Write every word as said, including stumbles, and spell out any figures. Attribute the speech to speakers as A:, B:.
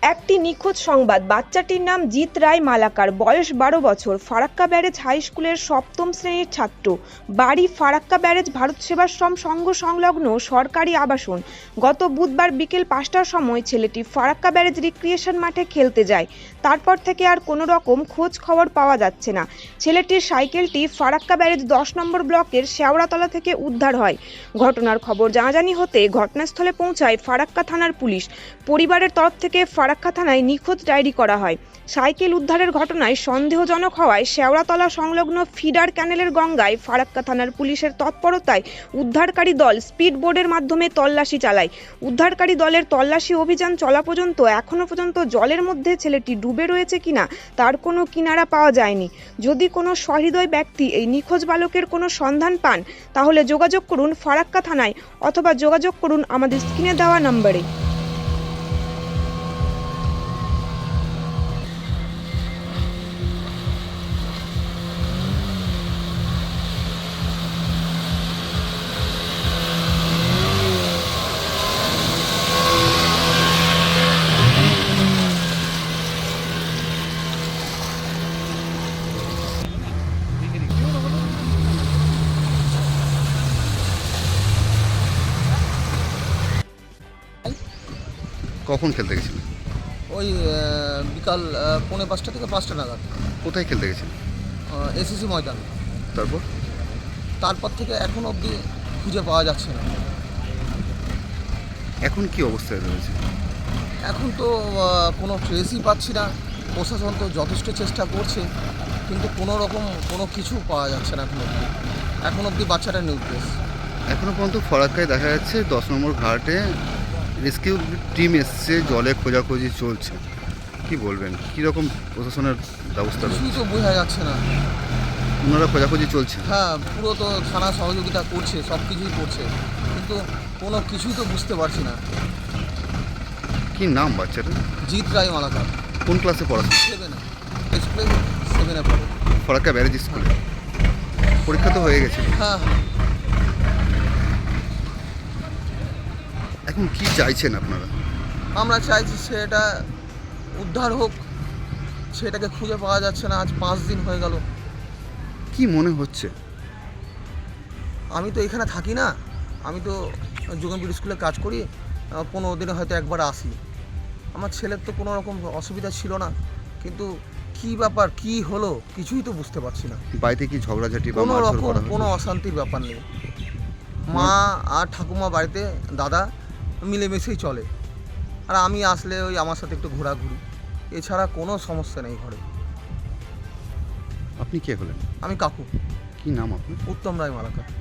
A: একটি নিখোঁজ সংবাদ। বাচ্চাটির নাম জিৎ রায় মালাকার, বয়স বারো বছর, ফারাক্কা ব্যারেজ হাই স্কুলের সপ্তম শ্রেণীর ছাত্র। বাড়ি ফারাক্কা ব্যারেজ ভারত সেবাশ্রম সংঘ সংলগ্ন সরকারি আবাসন। গত বুধবার বিকেল পাঁচটার সময় ছেলেটি ফারাক্কা ব্যারেজ রিক্রিয়েশন মাঠে খেলতে যায়। তারপর থেকে আর কোনো রকম খোঁজ খবর পাওয়া যাচ্ছে না। ছেলেটির সাইকেলটি ফারাক্কা ব্যারেজ দশ নম্বর ব্লকের শেওড়াতলা থেকে উদ্ধার হয়। ঘটনার খবর জানাজানি হতে ঘটনাস্থলে পৌঁছায় ফারাক্কা থানার পুলিশ। পরিবারের তরফ থেকে ফারাক্কা থানায় নিখোঁজ ডায়েরি করা হয়। সাইকেল উদ্ধারের ঘটনায় সন্দেহজনক হওয়ায় শেওড়াতলা সংলগ্ন ফিডার ক্যানেলের গঙ্গায় ফারাক্কা থানার পুলিশের তৎপরতায় উদ্ধারকারী দল স্পিড বোর্ডের মাধ্যমে তল্লাশি চালায়। উদ্ধারকারী দলের তল্লাশি অভিযান চলা পর্যন্ত এখনও পর্যন্ত জলের মধ্যে ছেলেটি ডুবে রয়েছে কিনা তার কোনো কিনারা পাওয়া যায়নি। যদি কোনো সহৃদয় ব্যক্তি এই নিখোঁজ বালকের কোনো সন্ধান পান তাহলে যোগাযোগ করুন ফারাক্কা থানায় অথবা যোগাযোগ করুন আমাদের স্ক্রিনে দেওয়া নম্বরে।
B: কখন খেলতে গেছিলেন?
C: ওই আহ, বিকাল আহ, পৌনে পাঁচটা থেকে পাঁচটা নাগাদ
B: কোথায় খেলতে গেছিলেন?
C: এসিসি ময়দান।
B: তারপর
C: তারপর থেকে এখন অবধি খুঁজে পাওয়া যাচ্ছে না।
B: এখন কি অবস্থায় রয়েছে?
C: এখন তো আহ, কোনো ট্রেসই পাচ্ছি না। প্রশাসন তো যথেষ্ট চেষ্টা করছে, কিন্তু কোনো রকম কোনো কিছু পাওয়া যাচ্ছে না এখন অবধি। এখন অবধি বাচ্চাটা নিউট্রেস।
B: এখনো পর্যন্ত ফরাক্কায় দেখা যাচ্ছে দশ নম্বর ঘাটে রেস্কিউ টিম এসছে, জলে খোঁজাখুঁজি চলছে। কি বলবেন, কীরকম প্রশাসনের ব্যবস্থা
C: কিছুই
B: রয়েছে?
C: তো বোঝা যাচ্ছে না।
B: ওনারা খোঁজাখুঁজি চলছে?
C: হ্যাঁ, পুরো তো থানা সহযোগিতা করছে, সব কিছুই করছে, কিন্তু কোনো কিছুই তো বুঝতে পারছি না।
B: কি নাম বাচ্চাটা?
C: জিৎ রায় মালাকার।
B: কোন ক্লাসে পড়াশোনা?
C: সেভেনে স্কুলে সেভেনে পড়ে।
B: ফরাক্কা ব্যারেজ স্কুলে। পরীক্ষা তো হয়ে গেছে।
C: হ্যাঁ হ্যাঁ।
B: এখন কি চাইছেন আপনারা?
C: আমরা চাইছি সেটা উদ্ধার হোক। সেটাকে খুঁজে পাওয়া যাচ্ছে না, আজ পাঁচ দিন হয়ে গেল।
B: কি মনে হচ্ছে?
C: আমি তো এখানে থাকি না, আমি তো যোগেনপুর স্কুলে কাজ করি। আহ, পনেরো দিনে হয়তো একবার আসি। আমার ছেলের তো কোনো রকম অসুবিধা ছিল না, কিন্তু কি ব্যাপার, কি হলো কিছুই তো বুঝতে পারছি না।
B: বাড়িতে কি ঝগড়াঝাটি বা
C: কোনো
B: মারধর
C: রকম
B: করা
C: কোনো
B: হয়েছে?
C: অশান্তির ব্যাপার নেই। মা আর ঠাকুমা বাড়িতে, দাদা মিলেমিশেই চলে। আর আমি আসলে ওই আমার সাথে একটু ঘোরাঘুরি, এছাড়া কোনো সমস্যা নেই ঘরে।
B: আপনি কে হলেন?
C: আমি কাকু।
B: কি নাম আপনার?
C: উত্তম রায় মালাকার।